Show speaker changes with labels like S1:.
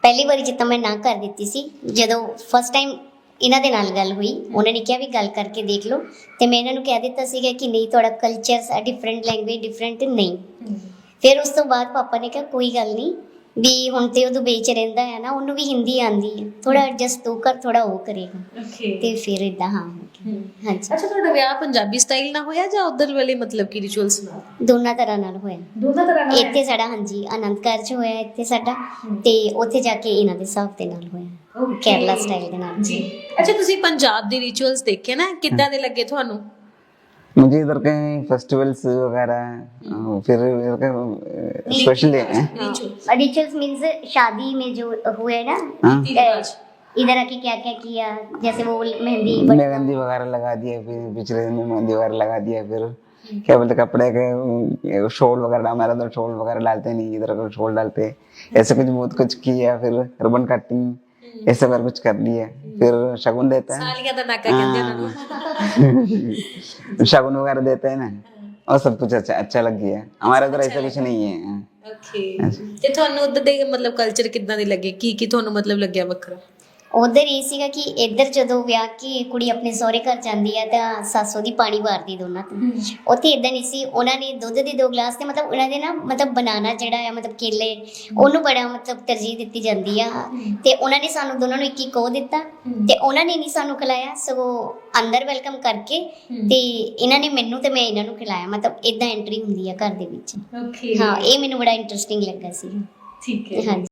S1: ਪਹਿਲੀ ਵਾਰੀ ਜਿੱਦਾਂ ਮੈਂ ਨਾ ਕਰ ਦਿੱਤੀ ਸੀ, ਜਦੋਂ ਫਸਟ ਟਾਈਮ ਇਹਨਾਂ ਦੇ ਨਾਲ ਗੱਲ ਹੋਈ, ਉਹਨਾਂ ਨੇ ਕਿਹਾ ਵੀ ਗੱਲ ਕਰਕੇ ਦੇਖ ਲਓ, ਤੇ ਮੈਂ ਇਹਨਾਂ ਨੂੰ ਕਹਿ ਦਿੱਤਾ ਸੀਗਾ ਕਿ ਨਹੀਂ ਤੁਹਾਡਾ ਕਲਚਰ ਡਿਫਰੈਂਟ, ਲੈਂਗੁਏਜ ਡਿਫਰੈਂਟ ਨਹੀਂ। ਫਿਰ ਉਸ ਤੋਂ ਬਾਅਦ ਪਾਪਾ ਨੇ ਕਿਹਾ ਕੋਈ ਗੱਲ ਨਹੀਂ, ਵੀ ਹੁਣ ਤੇ ਉਹ ਦੁਬਈ 'ਚ ਰਹਿੰਦਾ ਹੈ ਨਾ, ਉਹਨੂੰ ਵੀ ਹਿੰਦੀ ਆਉਂਦੀ ਹੈ, ਥੋੜਾ ਐਡਜਸਟ ਤੂੰ ਕਰ, ਥੋੜਾ ਉਹ ਕਰੇਗਾ। ਤੇ ਫਿਰ ਇਦਾਂ ਹਾਂ ਹਾਂਜੀ।
S2: ਅੱਛਾ, ਤੁਹਾਡਾ ਵਿਆਹ ਪੰਜਾਬੀ ਸਟਾਈਲ ਨਾਲ ਹੋਇਆ ਜਾਂ ਉਧਰ ਵਾਲੇ ਮਤਲਬ ਕਿ ਰਿਚੁਅਲਸ ਨਾਲ?
S1: ਦੋਨਾਂ ਤਰ੍ਹਾਂ ਨਾਲ ਹੋਇਆ।
S2: ਦੋਨਾਂ ਤਰ੍ਹਾਂ ਨਾਲ
S1: ਇੱਥੇ ਸਾਡਾ ਹਾਂਜੀ ਆਨੰਦ ਕਾਰਜ ਹੋਇਆ ਇੱਥੇ ਸਾਡਾ, ਤੇ ਉੱਥੇ ਜਾ ਕੇ ਇਹਨਾਂ ਦੇ ਹਿਸਾਬ ਦੇ ਨਾਲ ਹੋਇਆ, ਕੇਰਲਾ ਸਟਾਈਲ ਦੇ ਨਾਲ
S2: ਜੀ। ਅੱਛਾ, ਤੁਸੀਂ ਪੰਜਾਬ ਦੇ ਰਿਚੁਅਲਸ ਦੇਖੇ ਨਾ, ਕਿੱਦਾਂ ਦੇ ਲੱਗੇ ਤੁਹਾਨੂੰ?
S3: मुझे इधर के फेस्टिवल्स वगैरह फिर इधर के स्पेशल
S1: रिचुअल्स मीन्स शादी में जो हुए ना, इधर आके क्या क्या किया, जैसे वो
S3: मेहंदी वगैरह लगा दिया, फिर पिछले दिन में मेहंदी वगैरह लगा दिया, फिर क्या बोलते कपड़े के शॉल वगैरह, हमारा तो शॉल वगैरह डालते नहीं, इधर का शॉल डालते, ऐसे कुछ बहुत कुछ किया। फिर रिबन कटिंग ऐसे बार कुछ कर लिया। फिर शगुन देता है,
S2: सालियां दा नाका कहते हैं,
S3: शगुन वगैरह देते हैं ना, और सब कुछ अच्छा लग गया। हमारे उधर ऐसा कुछ नहीं है।
S2: ਓਕੇ, ਤੇ ਤੁਹਾਨੂੰ ਉਧਰ ਦੇ ਮਤਲਬ ਕਲਚਰ ਕਿੱਦਾਂ ਦੇ ਲੱਗੇ? ਕੀ ਤੁਹਾਨੂੰ ਮਤਲਬ ਲੱਗਿਆ ਵੱਖਰਾ?
S1: ਉਧਰ ਇਹ ਸੀਗਾ ਕਿ ਇੱਧਰ ਜਦੋਂ ਵਿਆਹ ਕੇ ਕੁੜੀ ਆਪਣੇ ਸਹੁਰੇ ਘਰ ਜਾਂਦੀ ਹੈ ਤਾਂ ਸੱਸ ਦੀ ਪਾਣੀ ਵਾਰਦੀ ਦੋਨਾਂ ਤੋਂ। ਉੱਥੇ ਇਦਾਂ ਨਹੀਂ ਸੀ, ਉਹਨਾਂ ਨੇ ਦੁੱਧ ਦੇ 2 ਗਲਾਸ ਤੇ ਮਤਲਬ ਉਹਨਾਂ ਦੇ ਨਾ ਮਤਲਬ ਬਨਾਨਾ ਜਿਹੜਾ ਆ, ਮਤਲਬ ਕੇਲੇ, ਉਹਨੂੰ ਬੜਾ ਮਤਲਬ ਤਰਜੀਹ ਦਿੱਤੀ ਜਾਂਦੀ ਆ। ਤੇ ਉਹਨਾਂ ਨੇ ਸਾਨੂੰ ਦੋਨਾਂ ਨੂੰ ਇੱਕ ਉਹ ਦਿੱਤਾ, ਤੇ ਉਹਨਾਂ ਨੇ ਨਹੀਂ ਸਾਨੂੰ ਖਿਲਾਇਆ, ਸਗੋਂ ਅੰਦਰ ਵੈਲਕਮ ਕਰਕੇ ਤੇ ਇਹਨਾਂ ਨੇ ਮੈਨੂੰ ਤੇ ਮੈਂ ਇਹਨਾਂ ਨੂੰ ਖਿਲਾਇਆ। ਮਤਲਬ ਇਦਾਂ ਐਂਟਰੀ ਹੁੰਦੀ ਆ ਘਰ ਦੇ ਵਿੱਚ।
S2: ਓਕੇ,
S1: ਹਾਂ, ਇਹ ਮੈਨੂੰ ਬੜਾ ਇੰਟਰਸਟਿੰਗ ਲੱਗਾ ਸੀ।
S2: ਠੀਕ ਹੈ।
S1: ਹਾਂਜੀ।